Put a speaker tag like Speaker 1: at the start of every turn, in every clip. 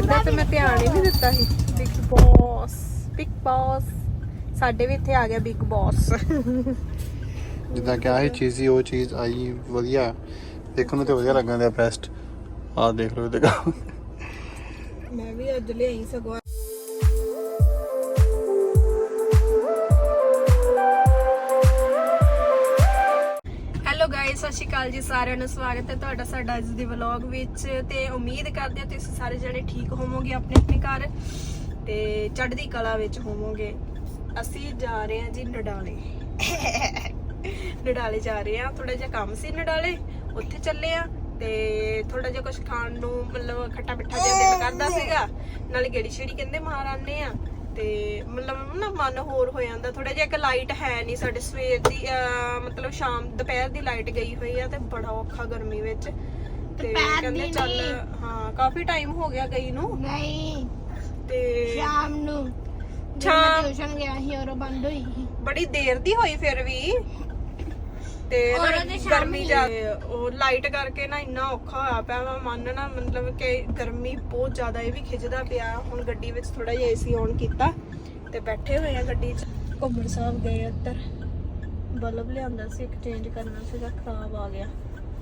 Speaker 1: ਇਦਾਂ ਤੇ ਮੈਂ ਧਿਆਨ ਹੀ ਨਹੀਂ ਦਿੱਤਾ ਸੀ। ਬਿਗ ਬੌਸ ਸਾਡੇ ਵੀ ਇੱਥੇ ਆ ਗਿਆ ਬਿਗ ਬੌਸ।
Speaker 2: ਜਿੱਦਾਂ ਕਿ ਆਹੀ ਚੀਜ਼ ਸੀ ਉਹ ਚੀਜ਼ ਆਈ ਵਧੀਆ ਦੇਖਣ ਨੂੰ ਤੇ ਵਧੀਆ ਲੱਗਣ ਦਿਆ ਬੈਸਟ। ਆਹ ਦੇਖ ਲਓ ਇਹਦੇ ਕੰਮ
Speaker 1: ਮੈਂ ਵੀ ਅੱਜ ਲਿਆਈ ਸਗੋਂ। ਹੈਲੋ ਗਾਇਸ, ਸਤਿ ਸ਼੍ਰੀ ਅਕਾਲ ਜੀ ਸਾਰਿਆਂ ਨੂੰ। ਸਵਾਗਤ ਹੈ ਤੁਹਾਡਾ ਸਾਡਾ ਅੱਜ ਦੇ ਵਲੌਗ ਵਿੱਚ। ਤੇ ਉਮੀਦ ਕਰਦੇ ਹਾਂ ਤੁਸੀਂ ਸਾਰੇ ਜਣੇ ਠੀਕ ਹੋਵੋਗੇ ਆਪਣੇ ਆਪਣੇ ਘਰ ਤੇ ਚੜ੍ਹਦੀ ਕਲਾ ਵਿੱਚ ਹੋਵੋਗੇ। ਅਸੀਂ ਜਾ ਰਹੇ ਹਾਂ ਜੀ ਨਡਾਲੇ। ਨਡਾਲੇ ਜਾ ਰਹੇ ਹਾਂ, ਥੋੜਾ ਜਿਹਾ ਕੰਮ ਸੀ ਨਡਾਲੇ, ਉੱਥੇ ਚੱਲੇ ਆ। ਤੇ ਥੋੜਾ ਜਿਹਾ ਕੁਝ ਖਾਣ ਨੂੰ ਮਤਲਬ ਖੱਟਾ ਮਿੱਠਾ ਜਿਹਾ ਦਿਲ ਕਰਦਾ ਸੀਗਾ, ਨਾਲੇ ਗੇੜੀ ਛੇੜੀ ਕਹਿੰਦੇ ਮਾਰ ਆਨੇ ਆ। ਤੇ ਮਤਲਬ ਨਾ ਮਨ ਹੋਰ ਹੋ ਜਾਂਦਾ ਥੋੜਾ ਜਿਹਾ। ਇੱਕ ਲਾਈਟ ਹੈ ਨਹੀਂ ਸਾਡੇ ਸਵੇਰ ਦੀ, ਮਤਲਬ ਸ਼ਾਮ ਦੁਪਹਿਰ ਦੀ ਲਾਈਟ ਗਈ ਹੋਈ ਆ ਤੇ ਬੜਾ ਔਖਾ ਗਰਮੀ ਵਿੱਚ। ਤੇ ਕਹਿੰਦੇ ਚੱਲ ਹਾਂ ਕਾਫੀ ਟਾਈਮ ਹੋ ਗਿਆ ਗਈ ਨੂੰ।
Speaker 3: ਨਹੀਂ
Speaker 1: ਤੇ
Speaker 3: ਸ਼ਾਮ ਨੂੰ ਟਿਊਸ਼ਨ ਗਿਆ ਸੀ ਔਰ ਬੰਦ ਹੋਈ ਸੀ
Speaker 1: ਬੜੀ ਦੇਰ ਦੀ ਹੋਈ ਫਿਰ ਵੀ। ਤੇ ਗਰਮੀ ਜਾ ਉਹ ਲਾਈਟ ਕਰਕੇ ਨਾ ਇੰਨਾ ਔਖਾ ਹੋਇਆ ਪਿਆ ਵਾ ਮਨ ਨਾ, ਮਤਲਬ ਕਿ ਗਰਮੀ ਬਹੁਤ ਜ਼ਿਆਦਾ ਇਹ ਵੀ ਖਿੱਚਦਾ ਪਿਆ। ਹੁਣ ਗੱਡੀ ਵਿੱਚ ਥੋੜਾ ਜਿਹਾ ਏਸੀ ਔਨ ਕੀਤਾ ਤੇ ਬੈਠੇ ਹੋਏ ਆ ਗੱਡੀ 'ਚ। ਘੁੰਮਣ ਸਾਹਿਬ ਗਏ ਉੱਧਰ, ਬਲਬ ਲਿਆਂਦਾ ਸੀ ਇੱਕ ਚੇਂਜ ਕਰਨਾ ਸੀਗਾ, ਖਰਾਬ ਆ ਗਿਆ।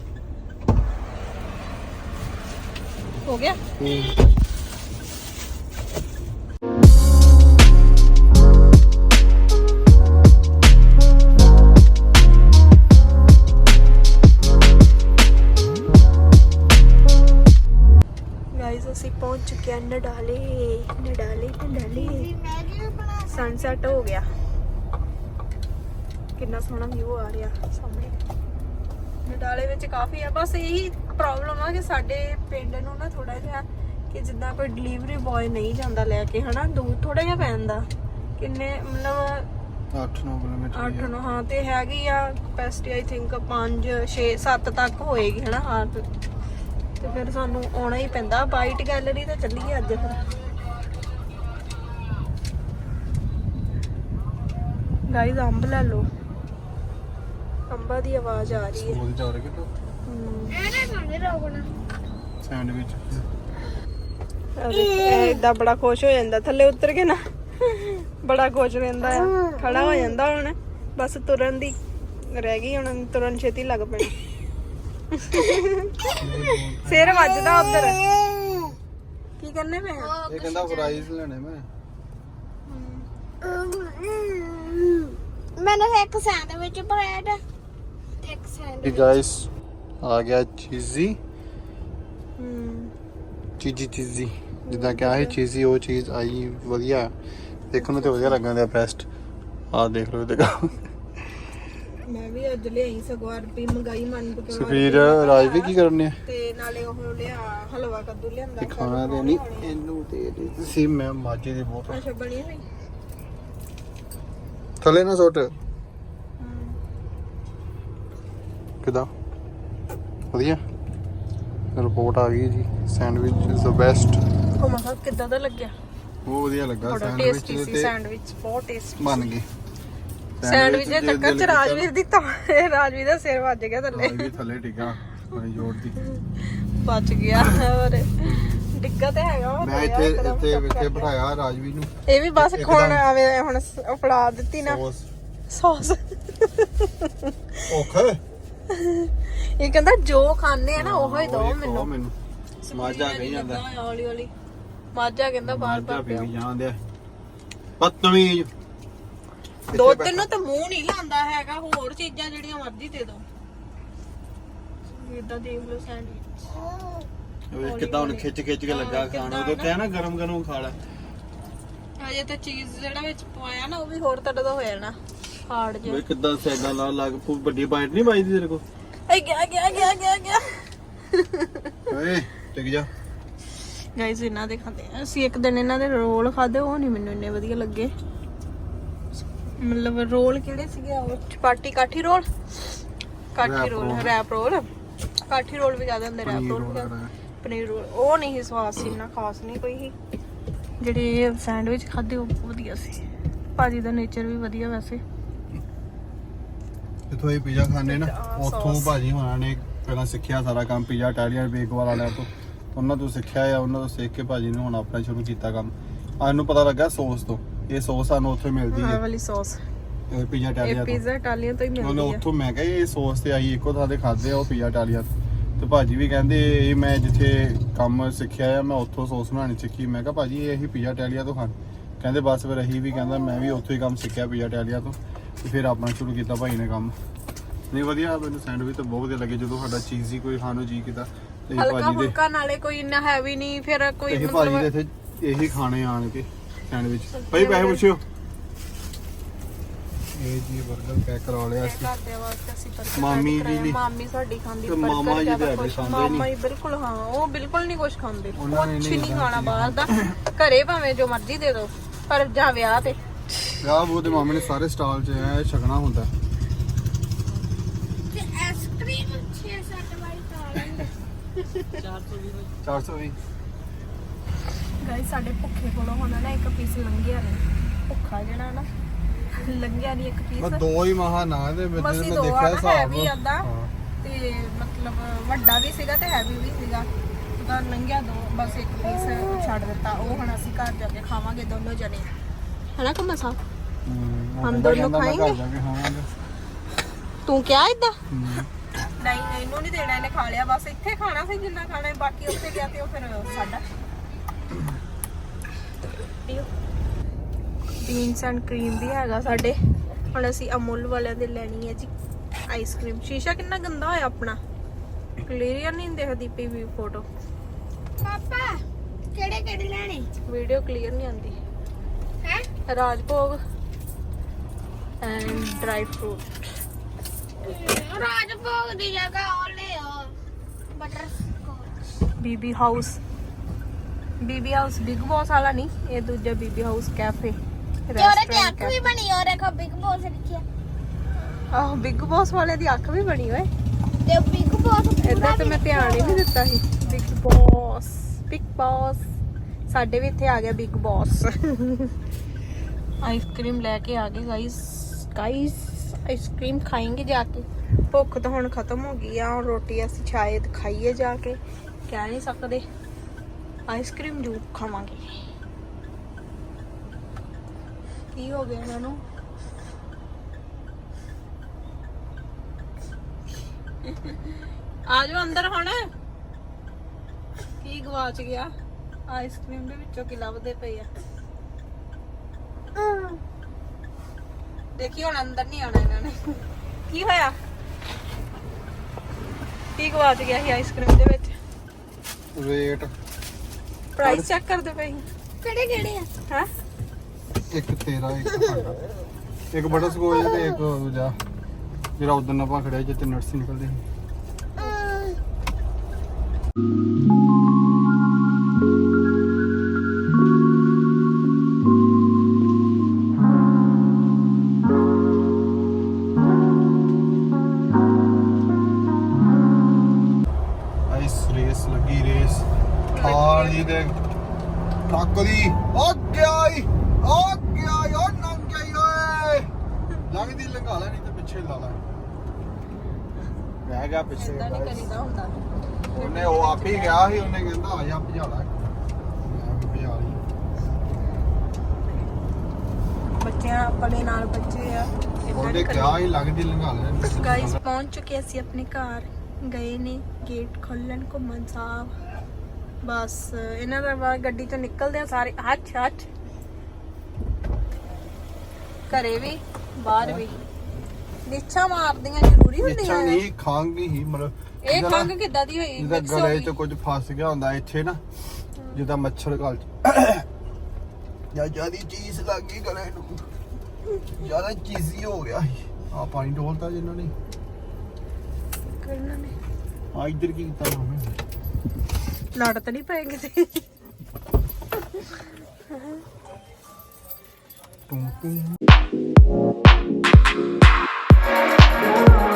Speaker 1: ਹੋ ਗਿਆ ਅਸੀਂ ਪਹੁੰਚ ਚੁੱਕੇ ਹਾਂ ਨਡਾਲੇ। ਸਨਸੈਟ ਹੋ ਗਿਆ, ਕਿੰਨਾ ਸੋਹਣਾ ਵਿਊ ਆ ਰਿਹਾ ਸਾਹਮਣੇ। ਨਡਾਲੇ ਵਿੱਚ ਕਾਫੀ ਆ, ਬਸ ਇਹੀ ਪ੍ਰੋਬਲਮ ਆ ਕਿ ਸਾਡੇ ਪਿੰਡ ਨੂੰ ਨਾ ਥੋੜਾ ਜਿਹਾ ਕਿ ਜਿੱਦਾਂ ਕੋਈ ਡਿਲੀਵਰੀ ਬॉय ਨਹੀਂ ਜਾਂਦਾ ਲੈ ਕੇ, ਹਨਾ ਦੂਰ ਥੋੜਾ ਜਿਹਾ ਪੈਂਦਾ। ਕਿੰਨੇ ਮਤਲਬ
Speaker 2: 8-9 ਕਿਲੋਮੀਟਰ
Speaker 1: 8-9 ਹਾਂ। ਤੇ ਹੈਗੀ ਆ ਕਪੈਸਿਟੀ ਆਈ ਥਿੰਕ 5-6-7 ਤੱਕ ਹੋਏਗੀ ਹਨਾ। ਹਾਂ ਤੇ ਫਿਰ ਸਾਨੂੰ ਆਉਣਾ ਹੀ ਪੈਂਦਾ। ਬਾਈਟ ਗੈਲਰੀ ਤੇ ਚੱਲੀਏ ਅੱਜ ਫਿਰ। ਗਾਈਜ਼ ਅੰਬ ਲੈ ਲਓ, ਅੰਬਾਂ ਦੀ ਆਵਾਜ਼ ਆ ਰਹੀ ਹੈ।
Speaker 2: ਉਹਦੇ ਜਾ ਰਹੇ ਕਿ
Speaker 3: ਇਹਨੇ ਖਾਣੇ ਰੋਕਣਾ
Speaker 2: ਸੈਂਡਵਿਚ
Speaker 1: ਏਦਾਂ ਬੜਾ ਖੁਸ਼ ਹੋ ਜਾਂਦਾ ਥੱਲੇ ਉਤਰ ਕੇ ਨਾ, ਬੜਾ ਖੁਸ਼ ਰਹਿੰਦਾ ਆ। ਖੜਾ ਹੋ ਜਾਂਦਾ ਹੁਣ, ਬਸ ਤੁਰਨ ਦੀ ਰਹਿ ਗਈ, ਹੁਣ ਤੁਰਨ ਛੇਤੀ ਲੱਗ ਪੈਣਾ। ਸਿਰ ਵੱਜਦਾ ਉਧਰ। ਕੀ ਕਰਨੇ ਮੈਂ
Speaker 2: ਇਹ ਕਹਿੰਦਾ ਫਰਾਈਜ਼ ਲੈਣੇ ਮੈਂ।
Speaker 3: ਮੈਨੂੰ ਇੱਕ ਸੈਂਡਵਿਚ ਬ੍ਰੈਡ ਤੇ ਇੱਕ ਸੈਂਡਵਿਚ।
Speaker 2: ਗਾਇਸ ਆ ਗਿਆ ਚੀਜ਼ੀ ਚੀਜ਼ੀ ਜਿੱਦਾਂ ਕਿ ਆਹੀ ਚੀਜ਼ ਸੀ ਉਹ ਚੀਜ਼ ਆਈ ਵਧੀਆ ਦੇਖਣ ਨੂੰ ਤੇ ਵਧੀਆ ਲੱਗਣ ਦਿਆ ਬੈਸਟ। ਆਹ ਦੇਖ ਲਓ ਇਹਦੇ ਕੰਮ।
Speaker 1: ਮੈਂ ਵੀ ਅੱਜ ਲਿਆਈ ਸਗੋਂ ਅਰਬੀ ਮੰਗਾਈ ਮਨ ਪਕਾਉਣ।
Speaker 2: ਸੁਖਬੀਰ ਰਾਜ ਵੀ ਕੀ ਕਰਨੇ ਆ
Speaker 1: ਤੇ ਨਾਲੇ ਉਹ ਲਿਆ ਹਲਵਾ ਕੱਦੂ ਲਿਆਂਦਾ।
Speaker 2: ਖਾਣਾ ਤੇ ਨਹੀਂ ਇਹਨੂੰ ਤੇ ਤੁਸੀਂ ਮੈਂ ਮਾਜੇ ਦੀ ਬਹੁਤ
Speaker 1: ਅੱਛਾ ਬਣੀ ਹੋਈ
Speaker 2: ਥੱਲੇ ਨਾ ਸੁੱਟ। ਕਿਦਾਂ ਵਧੀਆ ਰਿਪੋਰਟ ਆ ਗਈ ਜੀ। Sandwich is the best.
Speaker 1: ਉਹ ਮਸਾ ਕਿੱਦਾਂ ਦਾ ਲੱਗਿਆ?
Speaker 2: ਬਹੁਤ ਵਧੀਆ ਲੱਗਾ
Speaker 1: ਬੜਾ ਟੇਸਟੀ ਸੀ ਸੈਂਡਵਿਚ, ਬਹੁਤ ਟੇਸਟੀ
Speaker 2: ਬਣ ਗਏ
Speaker 1: ਸੈਂਡਵਿਚ ਦੇ ਚੱਕਰ ਚ ਰਾਜਵੀਰ ਦੀ ਤਾਂ ਰਾਜਵੀਰ ਦਾ ਸਿਰ ਵੱਜ ਗਿਆ ਥੱਲੇ।
Speaker 2: ਰਾਜਵੀਰ ਥੱਲੇ ਡਿੱਗਾ ਬੜੀ ਜ਼ੋਰ ਦੀ,
Speaker 1: ਬਚ ਗਿਆ। ਹੋਰ ਡਿੱਗਾ ਤੇ ਹੈਗਾ ਵਾ।
Speaker 2: ਮੈਂ ਇੱਥੇ ਬਿਠਾਇਆ ਰਾਜਵੀਰ ਨੂੰ।
Speaker 1: ਇਹ ਵੀ ਬਸ ਖੋਣ ਆਵੇ ਹੁਣ ਫੜਾ ਦਿੱਤੀ ਨਾ ਸੌਸ।
Speaker 2: ਔਖਾ
Speaker 1: ਇਹ ਕਹਿੰਦਾ ਜੋ ਖਾਣੇ ਆ ਨਾ ਉਹੋ ਹੀ ਦੋ ਮੈਨੂੰ।
Speaker 2: ਮਾਜਾ ਕਹੀ ਜਾਂਦਾ
Speaker 1: ਹੌਲੀ ਹੌਲੀ ਮਾਜਾ ਕਹਿੰਦਾ ਬਾਰ-ਬਾਰ
Speaker 2: ਪੀ ਜਾਂਦੇ ਬਦਤਮੀਜ਼।
Speaker 1: ਦੋ ਤਿੰਨ ਨੂੰ ਤਾਂ ਮੂੰਹ ਨਹੀਂ ਲਾਉਂਦਾ ਹੈਗਾ, ਹੋਰ ਚੀਜ਼ਾਂ ਜਿਹੜੀਆਂ ਮਰਜ਼ੀ ਦੇ ਦੋ। ਇਦਾਂ ਦੇਖ ਲਓ ਸੈਂਡਵਿਚ
Speaker 2: ਕਿੱਦਾਂ ਹੁਣ ਖਿੱਚ ਕੇ ਲੱਗਾ ਖਾਣ। ਉਦੋਂ ਕਿਹਾ ਨਾ ਗਰਮ ਖਾ ਲੈ।
Speaker 1: ਹਜੇ ਤਾਂ ਚੀਜ਼ ਜਿਹੜਾ ਵਿੱਚ ਪਾਇਆ ਨਾ ਉਹ ਵੀ ਹੋਰ ਤੜਦਾ ਹੋ ਜਾਣਾ ਹਾਰਡ ਜਿਹਾ।
Speaker 2: ਓਏ ਕਿੱਦਾਂ ਸੈਗਾਂ ਲਾ ਲੱਗ ਵੱਡੀ ਬਾਈਟ ਨਹੀਂ ਵੱਜਦੀ ਤੇਰੇ ਕੋਲ?
Speaker 1: ਏ ਗਿਆ
Speaker 2: ਓਏ ਟਿਕ ਜਾ।
Speaker 1: ਗਾਇਸ ਇਹਨਾਂ ਦੇ ਖਾਂਦੇ ਅਸੀਂ ਇੱਕ ਦਿਨ ਇਹਨਾਂ ਦੇ ਰੋਲ ਖਾਦੇ, ਉਹ ਨਹੀਂ ਮੈਨੂੰ ਇੰਨੇ ਵਧੀਆ ਲੱਗੇ। ਮਤਲਬ ਰੋਲ ਕਿਹੜੇ ਸੀਗੇ ਉਹ? Chapati kathi roll wrap roll kathi roll ਵੀ ਜ਼ਿਆਦਾ ਹੁੰਦੇ, ਰੈਪ ਰੋਲ ਵੀ ਪਨੀਰ ਰੋਲ ਉਹ ਨਹੀਂ ਸੀ ਸਵਾਦ ਸੀ, ਇੰਨਾ ਖਾਸ ਨਹੀਂ ਕੋਈ ਸੀ। ਜਿਹੜੇ ਸੈਂਡਵਿਚ ਖਾਦੇ ਉਹ ਵਧੀਆ ਸੀ। ਭਾਜੀ ਦਾ ਨੇਚਰ ਵੀ ਵਧੀਆ ਵੈਸੇ।
Speaker 2: ਜਿੱਥੋਂ ਇਹ ਪੀਜ਼ਾ ਖਾਣੇ ਨਾ ਉੱਥੋਂ ਭਾਜੀ ਹੋਣਾ ਨੇ ਪਹਿਲਾਂ ਸਿੱਖਿਆ ਸਾਰਾ ਕੰਮ ਪੀਜ਼ਾ ਇਟਾਲੀਅਨ ਬੇਕ ਵਾਲਾ ਲੈ ਤੋਂ ਉਹਨਾਂ ਤੋਂ ਸਿੱਖਿਆ ਆ, ਉਹਨਾਂ ਤੋਂ ਸਿੱਖ ਕੇ ਭਾਜੀ ਨੇ ਹੁਣ ਆਪਣਾ ਸ਼ੁਰੂ ਕੀਤਾ ਕੰਮ। ਸਾਨੂੰ ਪਤਾ ਲੱਗਾ ਸੌਸ ਤੋਂ, ਇਹ ਸੌਸ ਸਾਨੂੰ ਉੱਥੋਂ ਹੀ ਮਿਲਦੀ
Speaker 1: ਆਹ
Speaker 2: ਹੈ
Speaker 1: ਵਾਲੀ ਸੌਸ,
Speaker 2: ਪੀਜ਼ਾ
Speaker 1: ਇਹ
Speaker 2: ਟਾਲੀਆ ਤੋਂ।
Speaker 1: ਪੀਜ਼ਾ ਟਾਲੀਆਂ ਤੋਂ ਹੀ
Speaker 2: ਉਹਨੇ
Speaker 1: ਮਿਲਦੀ ਆ।
Speaker 2: ਉੱਥੋਂ ਮੈਂ ਕਿਹਾ ਇਹ ਸੌਸ ਤੇ ਆਈ ਇੱਕੋ ਥਾਂ ਤੇ ਖਾਦੇ ਆ ਉਹ ਪੀਜ਼ਾ ਟਾਲੀਆ ਤੋਂ। ਤੇ ਭਾਜੀ ਵੀ ਕਹਿੰਦੇ ਇਹ ਮੈਂ ਜਿੱਥੇ ਕੰਮ ਸਿੱਖਿਆ ਆ ਮੈਂ ਉੱਥੋਂ ਸੌਸ ਬਣਾਉਣੀ ਸਿੱਖੀ। ਮੈਂ ਕਿਹਾ ਭਾਜੀ ਇਹ ਅਸੀਂ ਪੀਜ਼ਾ ਟਾਲੀਆ ਤੋਂ ਖਾਣ, ਕਹਿੰਦੇ ਬਸ ਫਿਰ ਅਸੀਂ ਵੀ, ਕਹਿੰਦਾ ਮੈਂ ਵੀ ਉੱਥੋਂ ਹੀ ਕੰਮ ਸਿੱਖਿਆ ਪੀਜ਼ਾ ਟਾਲੀਆ ਤੋਂ, ਤੇ ਫਿਰ ਆਪਣਾ ਸ਼ੁਰੂ ਕੀਤਾ ਭਾਈ ਨੇ ਕੰਮ। ਨਹੀਂ ਵਧੀਆ, ਮੈਨੂੰ ਸੈਂਡਵਿਚ ਤਾਂ ਬਹੁਤ ਵਧੀਆ ਲੱਗੇ ਜਦੋਂ ਸਾਡਾ ਚੀਜ਼ੀ ਕੋਈ ਖਾਣ ਨੂੰ ਜੀ ਕੀਤਾ ਤੇ
Speaker 1: ਹਲਕਾ
Speaker 2: ਭਾਜੀ ਦੇ,
Speaker 1: ਫੁਲਕਾ, ਨਾਲੇ ਕੋਈ ਇੰਨਾ ਹੈਵੀ ਨਹੀਂ, ਫਿਰ ਕੋਈ
Speaker 2: ਇਹ ਭਾਜੀ ਦੇ ਇੱਥੇ ਇਹੀ ਖਾਣੇ ਆਣ ਕੇ ਸੈਂਡਵਿਚ। ਭਾਈ ਪੈਸੇ ਪੁੱਛਿਓ। ਇਹ ਜੀ 버ਗਰ ਪੈਕ ਕਰਾ ਲਿਆ ਸੀ
Speaker 1: ਕਰਦੇ ਵਾਸਤੇ ਅਸੀਂ 버ਗਰ
Speaker 2: ਮਾਮੀ ਜੀ ਲਈ।
Speaker 1: ਮਾਮੀ ਸਾਡੀ ਖਾਂਦੀ
Speaker 2: ਤੇ
Speaker 1: 버ਗਰ
Speaker 2: ਮਾਮਾ ਜੀ
Speaker 1: ਜ਼ਿਆਦਾ
Speaker 2: ਤੇ
Speaker 1: ਖੁਸ਼।
Speaker 2: ਖਾਂਦੇ
Speaker 1: ਮਾਮਾ
Speaker 2: ਨਹੀਂ।
Speaker 1: ਜੀ ਬਿਲਕੁਲ, ਹਾਂ ਉਹ ਬਿਲਕੁਲ ਨਹੀਂ ਕੁਝ ਖਾਂਦੇ,
Speaker 2: ਉਹਨਾਂ ਨੇ
Speaker 1: ਕੁਝ
Speaker 2: ਨਹੀਂ
Speaker 1: ਨਹੀਂ ਖਾਣਾ ਬਾਹਰ ਦਾ। ਘਰੇ ਭਾਵੇਂ ਜੋ ਮਰਜ਼ੀ ਦੇ ਦਿਓ, ਪਰ ਜਾਂ ਵਿਆਹ ਤੇ
Speaker 2: ਵਿਆਹ ਬੂਹ ਦੇ ਮਾਮੇ ਨੇ ਸਾਰੇ ਸਟਾਲ 'ਚ ਐ ਛਕਣਾ ਹੁੰਦਾ।
Speaker 3: ਤੇ ਆਈਸਕ੍ਰੀਮ 6-7 ਵਾਰੀ ਖਾ ਲੈਂਦੇ।
Speaker 2: 420
Speaker 1: ਗਾਇਸ ਸਾਡੇ ਭੁੱਖੇ ਕੋਲੋਂ ਹੁਣ ਨਾ ਇੱਕ ਪੀਸ ਲੰਘਿਆ ਨਹੀਂ, ਭੁੱਖਾ ਜਿਹੜਾ ਨਾ ਲੰਘਿਆ ਨਹੀਂ ਇੱਕ
Speaker 2: ਮੈਂ
Speaker 1: ਪੀਸ।
Speaker 2: ਦੋ ਹੀ ਮਹਾ ਨਾ ਦੇ ਵਿੱਚ
Speaker 1: ਮਸੀਂ
Speaker 2: ਮੈਂ
Speaker 1: ਦੋ
Speaker 2: ਦੇਖਿਆ
Speaker 1: ਆ,
Speaker 2: ਹਿਸਾਬ।
Speaker 1: ਹੈਵੀ ਅੱਧਾ
Speaker 2: ਹਾਂ।
Speaker 1: ਤੇ ਮਤਲਬ ਵੱਡਾ ਵੀ ਸੀਗਾ ਤੇ ਹੈਵੀ ਵੀ ਸੀਗਾ, ਤਾਂ ਲੰਘਿਆ ਦੋ, ਬਸ ਇੱਕ ਪੀਸ ਛੱਡ ਦਿੱਤਾ। ਉਹ ਹੁਣ ਅਸੀਂ ਘਰ ਜਾ ਕੇ ਖਾਵਾਂਗੇ ਦੋਨੋਂ ਜਣੇ, ਹਨਾ ਕਮਾ ਸਾਹਿਬ?
Speaker 2: ਉਹ
Speaker 1: ਹਮ
Speaker 2: ਕਹਿੰਦਾ
Speaker 1: ਦੋਨੋਂ
Speaker 2: ਮੈਂ ਘਰ
Speaker 1: ਖਾਏਂਗੇ?
Speaker 2: ਜਾ ਕੇ ਖਾਵਾਂਗੇ।
Speaker 1: ਤੂੰ ਕਿਹਾ ਇਦਾਂ?
Speaker 2: ਹਮ।
Speaker 1: ਨਹੀਂ ਇਹਨੂੰ ਨਹੀਂ ਦੇਣਾ, ਇਹਨੇ ਖਾ ਲਿਆ, ਬਸ ਇੱਥੇ ਖਾਣਾ ਸੀ ਜਿੰਨਾ ਖਾਣਾ ਹੈ, ਬਾਕੀ ਉੱਥੇ ਗਿਆ ਤੇ ਉਹ ਫਿਰ ਸਾਡਾ। ਬੀਨਸ ਐਂਡ ਕਰੀਮ ਵੀ ਹੈਗਾ ਸਾਡੇ। ਹੁਣ ਅਸੀਂ ਅਮੁੱਲ ਵਾਲਿਆਂ ਦੇ ਲੈਣੀ ਹੈ ਜੀ ਆਈਸਕ੍ਰੀਮ। ਸ਼ੀਸ਼ਾ ਕਿੰਨਾ ਗੰਦਾ ਹੋਇਆ ਆਪਣਾ, ਕਲੀਅਰ ਨਹੀਂ ਦਿਖਦੀ ਪਈ ਵੀ ਫੋਟੋ।
Speaker 3: ਪਾਪਾ ਕਿਹੜੇ ਲੈਣੇ
Speaker 1: ਵੀਡੀਓ ਕਲੀਅਰ ਨਹੀਂ ਆਉਂਦੀ
Speaker 3: ਹੈ?
Speaker 1: Rajbhog and dry fruit.
Speaker 3: Rajbhog ਦੀ ਜਗ੍ਹਾ ਉਹ Leo butterscotch.
Speaker 1: BB house Bigg Boss ਵਾਲਾ ਨਹੀਂ, ਇਹ ਦੂਜਾ ਬੀਬੀ ਹਾਊਸ ਕੈਫੇ
Speaker 3: ਤੇ ਉਹਦੇ ਤੇ ਅੱਖ ਵੀ ਬਣੀ, ਉਹ ਦੇਖੋ ਬਿਗ ਬੌਸ ਲਿਖਿਆ।
Speaker 1: ਆਹ ਬਿਗ ਬੌਸ ਵਾਲੇ ਦੀ ਅੱਖ ਵੀ ਬਣੀ ਓਏ।
Speaker 3: ਤੇ ਬਿਗ ਬੌਸ
Speaker 1: ਏਦਾਂ ਤੇ ਮੈਂ ਧਿਆਨ ਹੀ ਨਹੀਂ ਦਿੱਤਾ ਸੀ। ਬਿਗ ਬੌਸ ਸਾਡੇ ਵੀ ਇੱਥੇ ਆ ਗਿਆ ਬਿਗ ਬੌਸ। ਆਈਸਕ੍ਰੀਮ ਲੈ ਕੇ ਆ ਗਏ ਗਾइस ਆਈਸਕ੍ਰੀਮ ਖਾएंगे ਜਾਕੇ। ਭੁੱਖ ਤਾਂ ਹੁਣ ਖਤਮ ਹੋ ਗਈ ਆ, ਹੁਣ ਰੋਟੀ ਅਸੀਂ ਸ਼ਾਇਦ ਖਾਈਏ ਜਾ ਕੇ, ਕਹਿ ਨਹੀਂ ਸਕਦੇ। ਆਈਸਕ੍ਰੀਮ ਜ਼ਰੂਰ ਖਾਵਾਂਗੇ। ਕੀ ਹੋ ਗਿਆ ਇਹਨਾਂ ਨੂੰ? ਆ ਜਾਓ ਅੰਦਰ ਹੁਣ। ਕੀ ਗਵਾਚ ਗਿਆ? ਆਈਸਕ੍ਰੀਮ ਦੇ ਵਿੱਚੋਂ ਕੀ ਲੱਭਦੇ ਪਏ ਆ? ਦੇਖੀ ਹੁਣ ਅੰਦਰ ਨਹੀਂ ਆਣਾ ਇਹਨਾਂ ਨੇ। ਕੀ ਹੋਇਆ? ਕੀ ਗਵਾਚ ਗਿਆ ਸੀ ਆਈਸਕ੍ਰੀਮ ਦੇ ਵਿੱਚ?
Speaker 2: ਵੇਟ
Speaker 1: ਪ੍ਰਾਈਸ ਚੈੱਕ ਕਰਦੇ ਪਏ
Speaker 3: ਕਿਹੜੇ ਆ?
Speaker 1: ਹੈ?
Speaker 2: ਇੱਕ ਤੇਰਾ ਇੱਕ ਸਾਡਾ, ਇੱਕ ਬਟਰ ਸਕੋਚ ਤੇ ਇੱਕ ਦੂਜਾ ਜਿਹੜਾ ਉਦੋਂ ਆਪਾਂ ਖੜਿਆ ਜਿੱਤੇ ਨਟਸ ਨਿਕਲਦੇ ਸੀ। ਰੇਸ ਲੱਗੀ, ਰੇਸ ਥਾਰ ਦੀ ਤੇ ਟਰੱਕ ਦੀ। ਉਹ ਗਿਆ ਈ ਉਹ ਨੰਗ ਗਈ ਓਏ। ਲੱਗਦੀ ਲੰਘਾ ਲੈ, ਨਹੀਂ ਤੇ ਪਿੱਛੇ ਲਾ ਲੈ। ਰਹਿ ਗਿਆ ਪਿੱਛੇ।
Speaker 1: ਇਦਾਂ ਨਹੀਂ ਕਰੀਦਾ ਹੁੰਦਾ।
Speaker 2: ਉਹਨੇ ਉਹ ਆਪ ਹੀ ਗਿਆ ਸੀ, ਉਹਨੇ ਕਹਿੰਦਾ ਆ ਜਾ ਭਜਾ ਲੈ, ਮੈਂ ਵੀ ਭਜਾ ਲਈ।
Speaker 1: ਬੱਚਿਆਂ ਆਪਣੇ ਨਾਲ ਬੱਚੇ ਆ,
Speaker 2: ਉਹਨੇ ਕਿਹਾ ਹੀ ਲੱਗਦੀ ਲੰਘਾ ਲੈ।
Speaker 1: ਗਾਇਸ ਪਹੁੰਚ ਚੁੱਕੇ ਅਸੀਂ ਆਪਣੇ ਘਰ, ਗਏ ਨੇ ਗੇਟ ਖੋਲਣ ਘੁੰਮਣ ਸਾਹਿਬ। ਬਸ ਇਹਨਾਂ ਦਾ ਬਾਹਰ ਗੱਡੀ ਤੋਂ ਨਿਕਲਦੇ ਆ ਸਾਰੇ ਹੱਥ ਘਰੇ ਵੀ ਬਾਹਰ ਵੀ ਨਿੱਛਾ ਮਾਰਦੀਆਂ ਜ਼ਰੂਰੀ
Speaker 2: ਇੱਛਾ
Speaker 1: ਹੁੰਦੀਆਂ ਆ।
Speaker 2: ਨਹੀਂ, ਖੰਘ ਹੀ ਮਤਲਬ
Speaker 1: ਇਹ ਖੰਘ ਕਿੱਦਾਂ ਦੀ ਹੋਈ?
Speaker 2: ਜਿਹਦਾ
Speaker 1: Mix ਹੋ
Speaker 2: ਗਲੇ
Speaker 1: ਗਈ।
Speaker 2: 'ਚ ਕੁਝ ਫਸ ਗਿਆ ਹੁੰਦਾ ਇੱਥੇ ਨਾ, ਜਿੱਦਾਂ ਮੱਛਰ ਗਲ 'ਚ ਜਾਂ ਜਿਆਦੀ ਚੀਜ਼ ਲੱਗ ਗਈ ਗਲੇ ਨੂੰ, ਜਿਆਦਾ ਚੀਜ਼ੀ ਹੋ ਗਿਆ। ਆ ਪਾਣੀ ਡੋਲਤਾ ਜਿੰਨਾਂ ਨੇ।
Speaker 1: ਕਰਨਾ ਨੇ
Speaker 2: ਆ ਇੱਧਰ ਕੀ ਕੀਤਾ ਹੋਵੇ?
Speaker 1: ਲੜ ਤਾਂ ਨਹੀਂ ਪਏ ਕਿਤੇ?
Speaker 2: To to